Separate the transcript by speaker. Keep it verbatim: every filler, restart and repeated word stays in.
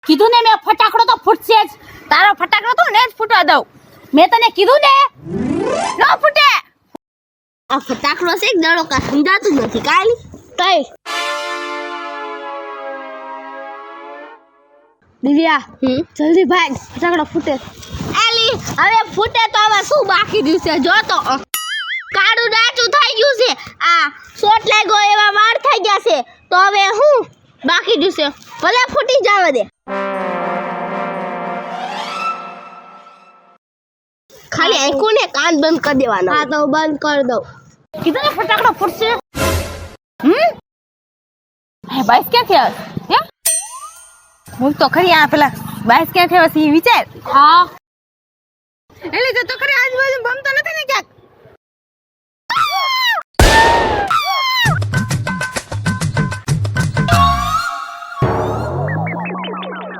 Speaker 1: કીધું ને મેં ફટાકડો તો ફૂટશે જ.
Speaker 2: તારો ફટાકડો તો ને જ ફૂટવા દઉં.
Speaker 1: મેં તને કીધું ને
Speaker 2: ન ફૂટે. આ ફટાકડો છે એક દડો કા સમજાતું જ નથી કાલી.
Speaker 1: કઈ દિવ્યા
Speaker 2: હમ
Speaker 1: જલ્દી ભાગ, ફટાકડો ફૂટે.
Speaker 2: એલી હવે ફૂટે તો હવે શું બાકી રહ્યું છે જો તો. કાળું ડાચું થઈ ગયું છે. આ શોટ લાગ્યો એવા વાર થઈ ગયા છે તો હવે હું બાકી રહ્યું છે. ભલે ફૂટી જાવ દે. ખાલી આંખો ને કાન બંધ કરી દેવાના.
Speaker 1: હા તો બંધ કરી દઉં. કીધું ને ફટાકડો ફૂટશે.
Speaker 2: હમ હે બાઈસ ક્યાંથી આવે હે? હું તો ખરી આ પેલા બાઈસ ક્યાંથી આવે છે એ વિચાર.
Speaker 1: હા
Speaker 2: એટલે તો ખરી આજુબાજુ બમ તો નથી ને ક્યાંક?